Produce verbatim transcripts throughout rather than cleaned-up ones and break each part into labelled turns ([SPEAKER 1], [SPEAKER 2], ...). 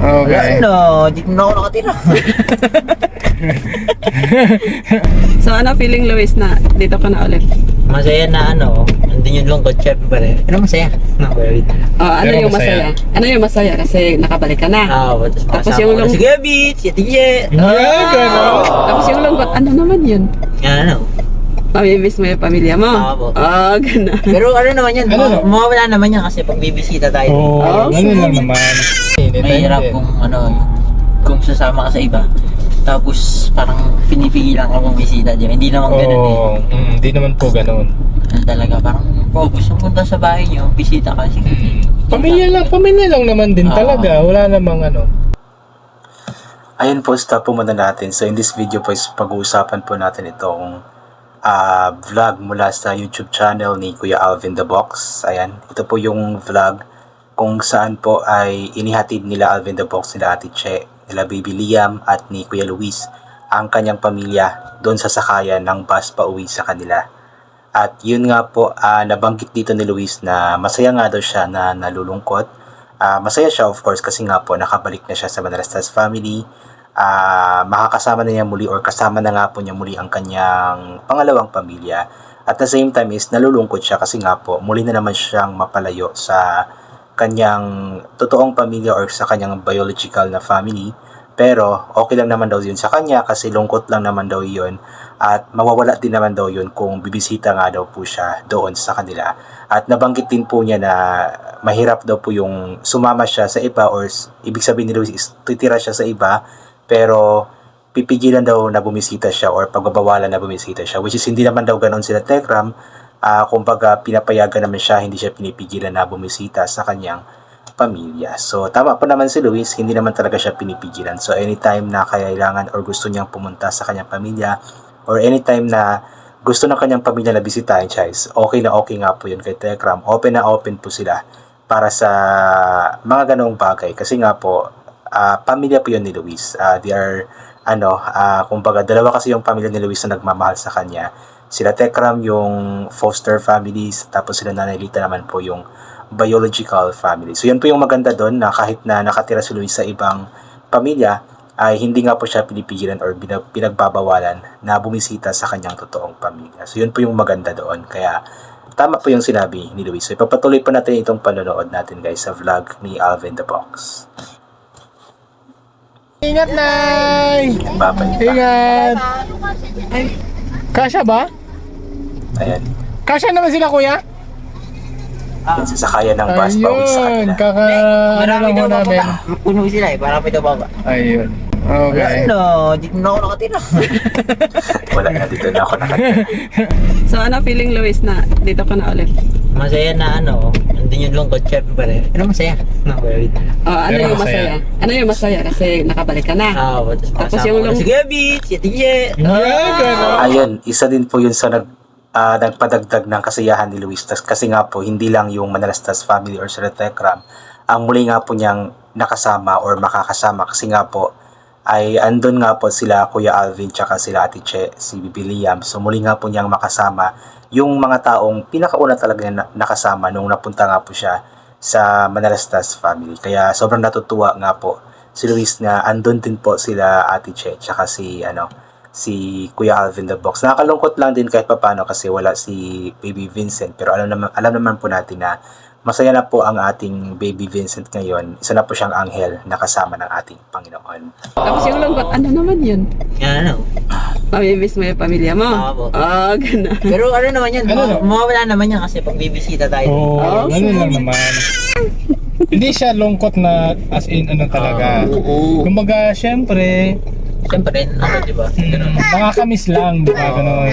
[SPEAKER 1] Okay.
[SPEAKER 2] Ano, dito na ako nakatira.
[SPEAKER 3] So ano feeling, Luis, na dito ka na ulit?
[SPEAKER 2] Masaya na ano, andun yung lungkot, syempre. Pero masaya. No, very.
[SPEAKER 3] Oh, ano
[SPEAKER 1] Pero
[SPEAKER 3] yung masaya?
[SPEAKER 1] masaya.
[SPEAKER 3] Ano yung masaya kasi nakabalik ka na?
[SPEAKER 2] Ah, oh, tapos
[SPEAKER 3] Tapos
[SPEAKER 2] makasama
[SPEAKER 3] yung
[SPEAKER 2] ko na
[SPEAKER 3] lung-
[SPEAKER 2] si Gabit, si Atiye.
[SPEAKER 1] Yeah, gano'n.
[SPEAKER 3] Tapos yung lungkot, ano naman yun?
[SPEAKER 2] Ano?
[SPEAKER 3] Mamimiss mo yung pamilya mo?
[SPEAKER 2] Oo po.
[SPEAKER 3] Oh, gano'n.
[SPEAKER 2] Pero ano naman yan,
[SPEAKER 1] Ano
[SPEAKER 2] ma-
[SPEAKER 1] no?
[SPEAKER 2] mawawala naman yan kasi pag bibisita tayo.
[SPEAKER 1] Oo,
[SPEAKER 3] Oh,
[SPEAKER 1] ganun lang naman.
[SPEAKER 2] Mahirap kung ano, yung, kung sasama ka sa iba. Tapos parang pinipigilan ka mong bisita dyan. Hindi naman ganun eh.
[SPEAKER 1] Oo, mm, hindi naman po ganun.
[SPEAKER 2] Ano talaga, parang kung gusto mong punta sa bahay nyo, bisita ka. Sige.
[SPEAKER 1] Pamilya lang, pamilya lang naman din
[SPEAKER 2] Oo.
[SPEAKER 1] talaga. Wala namang ano.
[SPEAKER 4] Ayun po, stop po muna natin. So in this video po is pag-uusapan po natin itong ah, vlog mula sa YouTube channel ni Kuya Alvin The Box. Ayan, ito po yung vlog kung saan po ay inihatid nila Alvin The Box, nila Ate Che, nila Baby Liam at ni Kuya Luis ang kanyang pamilya doon sa sakayan ng bus pa uwi sa kanila. At yun nga po, ah, nabanggit dito ni Luis na masaya nga daw siya na nalulungkot. Ah, masaya siya of course kasi nga po nakabalik na siya sa Manalastas family. Ah, makakasama na niya muli or kasama na nga po niya muli ang kanyang pangalawang pamilya. At the same time is nalulungkot siya kasi nga po muli na naman siyang mapalayo sa kanyang totoong pamilya or sa kanyang biological na family. Pero okay lang naman daw yun sa kanya kasi lungkot lang naman daw yun at mawawala din naman daw yun kung bibisita nga daw po siya doon sa kanila. At nabanggit din po niya na mahirap daw po yung sumama siya sa iba or s- ibig sabihin ni Luis is titira siya sa iba pero pipigilan daw na bumisita siya or pagbabawalan na bumisita siya, which is hindi naman daw ganoon sila Tekram. Ah, kumbaga pinapayagan naman siya, hindi siya pinipigilan na bumisita sa kanyang pamilya. So tama po naman si Luis, hindi naman talaga siya pinipigilan. So anytime na kailangan or gusto niyang pumunta sa kanyang pamilya or anytime na gusto ng kanyang pamilya na bisitahin siya, is okay na okay nga po yun kay Tekram. Open na open po sila para sa mga ganong bagay kasi nga po ah, pamilya po yun ni Luis. Ah, they are ano, ah, kumbaga dalawa kasi yung pamilya ni Luis na nagmamahal sa kanya. Sila Tekram yung foster families, tapos sila Nanay Lita naman po yung biological family. So yun po yung maganda doon na kahit na nakatira si Luis sa ibang pamilya, ay hindi nga po siya pinipigilan or binag- pinagbabawalan na bumisita sa kanyang totoong pamilya. So yun po yung maganda doon. Kaya tama po yung sinabi ni Luis. So ipapatuloy po natin itong panonood natin guys sa vlog ni Alvin The Box.
[SPEAKER 1] Ingat, Nay!
[SPEAKER 4] Babalik pa.
[SPEAKER 1] Ingat! Kasya ba?
[SPEAKER 4] Ayan.
[SPEAKER 1] Kasya naman sila, kuya?
[SPEAKER 4] Yan, sasakayan ng bus pa uwi sa
[SPEAKER 1] Ayun,
[SPEAKER 4] kanila.
[SPEAKER 1] kaka... Ano
[SPEAKER 2] Marami
[SPEAKER 1] lang
[SPEAKER 2] daw
[SPEAKER 1] ho namin.
[SPEAKER 2] bababa. Puno sila eh, marami daw baba.
[SPEAKER 1] Ayun. Okay.
[SPEAKER 2] Ano, dito na ako nakatira.
[SPEAKER 4] Wala na, dito na ako nakatira.
[SPEAKER 3] So ano feeling, Luis, na dito ka na ulit?
[SPEAKER 2] Masaya na ano, andun yung lungkot, syempre. Pero masaya. No, very.
[SPEAKER 3] Oh, ano
[SPEAKER 1] Pero
[SPEAKER 3] yung masaya?
[SPEAKER 1] masaya.
[SPEAKER 3] Ano yung masaya kasi nakabalik ka na?
[SPEAKER 2] Ah, oh, tapos
[SPEAKER 3] Tapos
[SPEAKER 2] makasama
[SPEAKER 3] yung
[SPEAKER 2] ko na
[SPEAKER 3] lung-
[SPEAKER 2] si Gabit, si Atiye.
[SPEAKER 1] Yeah, gano'n.
[SPEAKER 4] Ayun, isa din po yun sa nag, ah, nagpadagdag ng kasiyahan ni Luis. Tas, kasi nga po, hindi lang yung Manalastas family or sila Tekram ang muli nga po niyang nakasama or makakasama kasi nga po ay andun nga po sila Kuya Alvin tsaka sila Ate Che, si Bibi Liam. So muli nga po niyang makasama yung mga taong pinakauna talaga niya na- nakasama nung napunta nga po siya sa Manalastas family. Kaya sobrang natutuwa nga po si Luis na andun din po sila Ate Che tsaka si ano si Kuya Alvin The Box. Nakakalungkot lang din kahit papano kasi wala si Baby Vincent, pero alam naman alam naman po natin na masaya na po ang ating Baby Vincent ngayon. Isa na po siyang anghel na kasama ng ating Panginoon.
[SPEAKER 3] Tapos yung lungkot, ano naman yun?
[SPEAKER 2] Yan ano.
[SPEAKER 3] Mamimiss mo yung pamilya mo?
[SPEAKER 2] Oo po.
[SPEAKER 3] Oh, gano'n.
[SPEAKER 2] Pero ano naman yan,
[SPEAKER 1] Ano no?
[SPEAKER 2] ma- mawawala naman yan kasi pag bibisita tayo.
[SPEAKER 1] Oo,
[SPEAKER 3] Oh,
[SPEAKER 1] ganun lang naman. Hindi siya lungkot na as in ano talaga.
[SPEAKER 2] Oo.
[SPEAKER 1] Kumbaga, syempre,
[SPEAKER 2] Siyempre, ano, di ba?
[SPEAKER 1] hmm, nakakamiss lang, di ba? Ganun.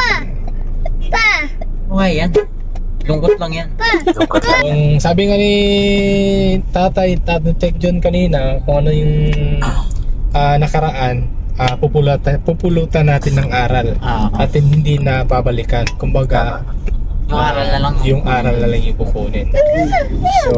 [SPEAKER 2] Okay yan. Lungkot lang yan.
[SPEAKER 4] Lungkot lang.
[SPEAKER 1] Yung sabi nga ni Tatay, Tatay Tek John kanina, kung ano yung ah, nakaraan, ah, pupulutan, pupulutan natin ng aral.
[SPEAKER 2] Ah,
[SPEAKER 1] At hindi na babalikan. Kumbaga,
[SPEAKER 2] yung aral na lang.
[SPEAKER 1] yung aral na lang yung kukunin. So,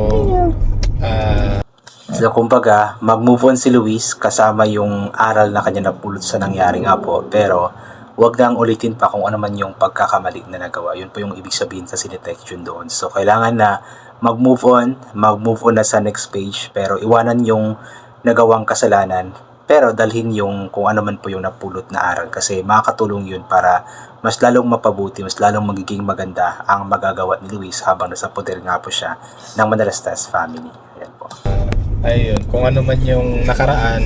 [SPEAKER 1] ah,
[SPEAKER 4] So kumbaga, mag-move on si Luis kasama yung aral na kanya napulot sa nangyari nga po. Pero wag nang ulitin pa kung ano man yung pagkakamali na nagawa. Yun po yung ibig sabihin sa Sinitext yun doon. So kailangan na mag-move on, mag-move on na sa next page, pero iwanan yung nagawang kasalanan, pero dalhin yung kung ano man po yung napulot na aral kasi makakatulong yun para mas lalong mapabuti, mas lalong magiging maganda ang magagawa ni Luis habang nasa poder nga po siya ng Manalastas family. Ayan po.
[SPEAKER 1] Ayun, kung ano man yung nakaraan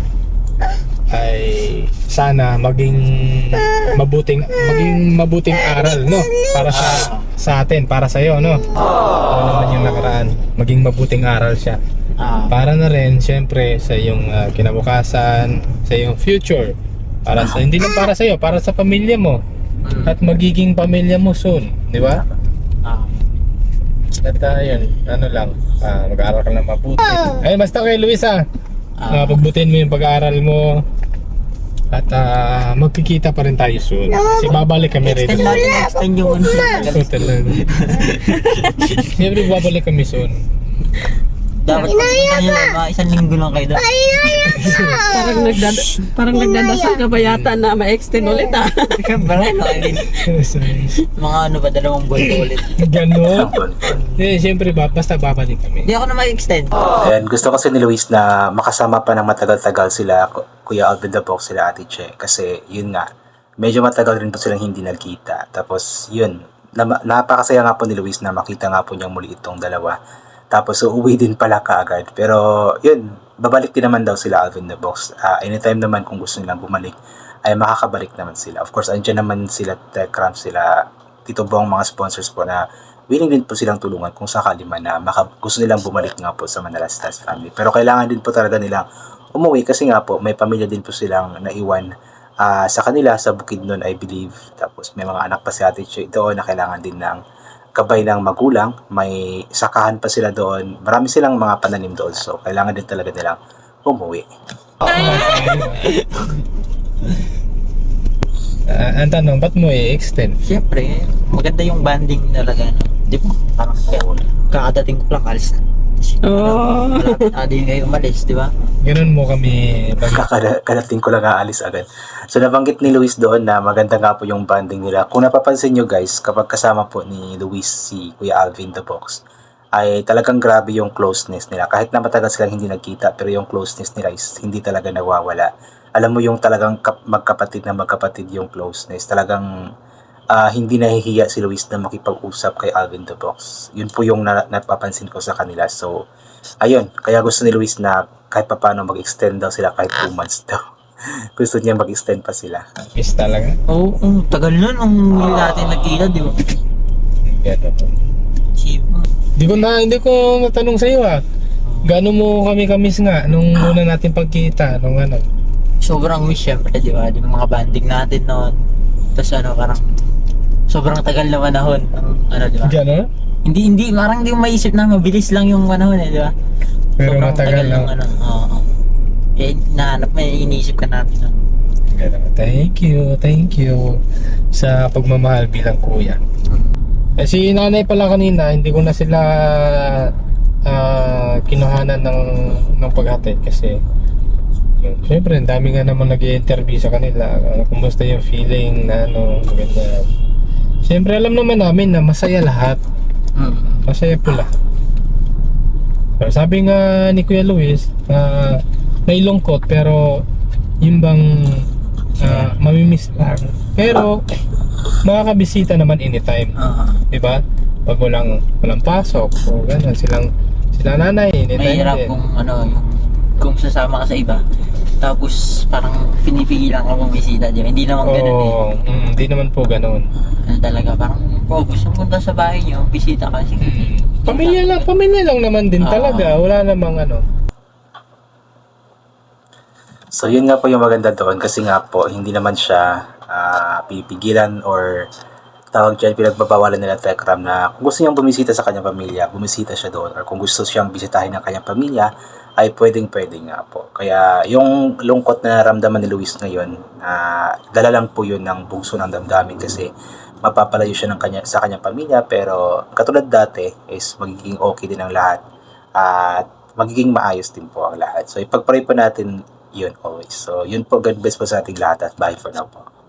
[SPEAKER 1] ay sana maging mabuting maging mabuting aral, no, para sa sa atin, para sa iyo, no. Kung ano man yung nakaraan, maging mabuting aral siya
[SPEAKER 2] Ah,
[SPEAKER 1] para na rin syempre sa iyong ah, kinabukasan, sa iyong future, para sa hindi lang para sa iyo, para sa pamilya mo
[SPEAKER 2] mm,
[SPEAKER 1] at magiging pamilya mo soon, di ba?
[SPEAKER 2] ah,
[SPEAKER 1] At uh, yun, ano lang, ah, mag-aaral ka lang mabuti. Ayun, basta kay Luis, ah,
[SPEAKER 2] ah,
[SPEAKER 1] uh, pagbutin mo yung pag-aaral mo at ah, magkikita pa rin tayo soon kasi babalik kami rin.
[SPEAKER 2] extend natin, extend yung ano.
[SPEAKER 1] Total lang. Siyempre babalik kami soon.
[SPEAKER 2] Dapat pagpunta nyo lang, mga isang linggo lang kayo doon.
[SPEAKER 3] Parang, nagdada, parang nagdadasal ka ba yata na ma-extend ulit ah?
[SPEAKER 2] Ikaw ba rin? I mean, mga ano ba, dalawang buwan ko ulit.
[SPEAKER 1] Ganon. Eh, siyempre ba, basta babalik kami.
[SPEAKER 2] Hindi ako na mag-extend.
[SPEAKER 4] Ayan, gusto kasi ni Luis na makasama pa ng matagal-tagal sila, Ku- Kuya Alvin the Box, sila Ate Che. Kasi yun nga, medyo matagal rin po silang hindi nagkita. Tapos yun, na, napakasaya nga po ni Luis na makita nga po niyang muli itong dalawa. Tapos uuwi din pala kaagad. Pero yun, babalik din naman daw sila Alvin the Box. Ah, anytime naman kung gusto nilang bumalik, ay makakabalik naman sila. Of course, andyan naman sila Techcramp, sila Tito Bong, mga sponsors po na willing din po silang tulungan kung sakali man na maka, gusto nilang bumalik nga po sa Manalastas family. Pero kailangan din po talaga nilang umuwi kasi nga po may pamilya din po silang naiwan ah, sa kanila sa Bukidnon, I believe. Tapos may mga anak pa si Ate Che doon na kailangan din ng kabay ng magulang. May sakahan pa sila doon. Marami silang mga pananim doon. So kailangan din talaga nilang umuwi.
[SPEAKER 1] Ah, ang tanong, ba't mo i-extend?
[SPEAKER 2] Siyempre, maganda yung banding talaga. No? Di ba? Parang kaya, kakadating ko lang, alis na.
[SPEAKER 3] Oh.
[SPEAKER 2] Adi kayo umalis, di ba?
[SPEAKER 1] Ganon mo kami bag-
[SPEAKER 4] Kakadating ko lang aalis agad. So nabanggit ni Luis doon na maganda nga po yung bonding nila. Kung napapansin nyo guys, kapag kasama po ni Luis si Kuya Alvin the Box, ay talagang grabe yung closeness nila. Kahit na matagal silang hindi nagkita, pero yung closeness nila is hindi talaga nawawala. Alam mo yung talagang kap- magkapatid na magkapatid yung closeness. Talagang ah, hindi nahihiya si Luis na makipag-usap kay Alvin the Box. Yun po yung na- napapansin ko sa kanila. So, ayun. Kaya gusto ni Luis na kahit pa paano mag-extend daw sila kahit two months daw. Gusto niya mag-extend pa sila.
[SPEAKER 1] miss talaga.
[SPEAKER 2] Oo, oh, tagal nun nung hindi natin nagkita, di ba?
[SPEAKER 1] Ganon.
[SPEAKER 2] Cheap.
[SPEAKER 1] Hindi ko na, hindi ko natanong sa iyo ah. Gaano mo kami kamis nga nung una natin pagkita, nung ano?
[SPEAKER 2] Sobrang miss syempre, di ba? Yung mga banding natin noon. Tapos ano, parang sobrang tagal na panahon ng ano, di ba?
[SPEAKER 1] Ganon?
[SPEAKER 2] Hindi, hindi, parang hindi mo maisip na mabilis lang yung panahon eh, di ba?
[SPEAKER 1] Pero
[SPEAKER 2] Sobrang
[SPEAKER 1] matagal
[SPEAKER 2] tagal
[SPEAKER 1] lang.
[SPEAKER 2] ng ano, oo. Eh, nahanap, may iniisip ka namin nun.
[SPEAKER 1] Ganon. Thank you, thank you sa pagmamahal bilang kuya. Eh, si nanay pala kanina, hindi ko na sila ah, kinuhanan ng, ng paghatid kasi yun, syempre, ang dami nga naman nag-i-interview sa kanila. Ano, kumusta yung feeling na ano, ganyan. Syempre, alam naman namin na masaya lahat.
[SPEAKER 2] Mm.
[SPEAKER 1] Masaya po lahat. Pero sabi nga ni Kuya Luis, uh, may lungkot pero yung bang uh, mamimiss lang. Pero makakabisita naman anytime.
[SPEAKER 2] Oo.
[SPEAKER 1] Diba? Pag walang, walang pasok o gano'n, silang sila nanay, anytime
[SPEAKER 2] Mahirap
[SPEAKER 1] din.
[SPEAKER 2] kung ano, yung, kung sasama ka sa iba. Tapos parang pinipigilan ka bumisita dyan. Hindi naman ganun eh.
[SPEAKER 1] Oo, mm, hindi naman po gano'n.
[SPEAKER 2] Ano talaga, parang kung gusto mo punta sa bahay nyo, bisita ka. Sige.
[SPEAKER 1] Pamilya lang, pamilya lang naman din
[SPEAKER 2] Oo.
[SPEAKER 1] talaga. Wala namang ano.
[SPEAKER 4] So yun nga po yung maganda doon kasi nga po hindi naman siya ah, pipigilan or tawag dyan, pinagbabawalan nila Techram na kung gusto niyang bumisita sa kanyang pamilya, bumisita siya doon, or kung gusto siyang bisitahin ng kanyang pamilya, ay pwedeng pwede nga po. Kaya yung lungkot na naramdaman ni Luis ngayon, uh, dala lang po yun ng bugso ng damdamin kasi mapapalayo siya ng kanya, sa kanyang pamilya, pero katulad dati is magiging okay din ang lahat at magiging maayos din po ang lahat. So ipagpray po natin yun always. So yun po, God bless po sa ating lahat at bye for now po.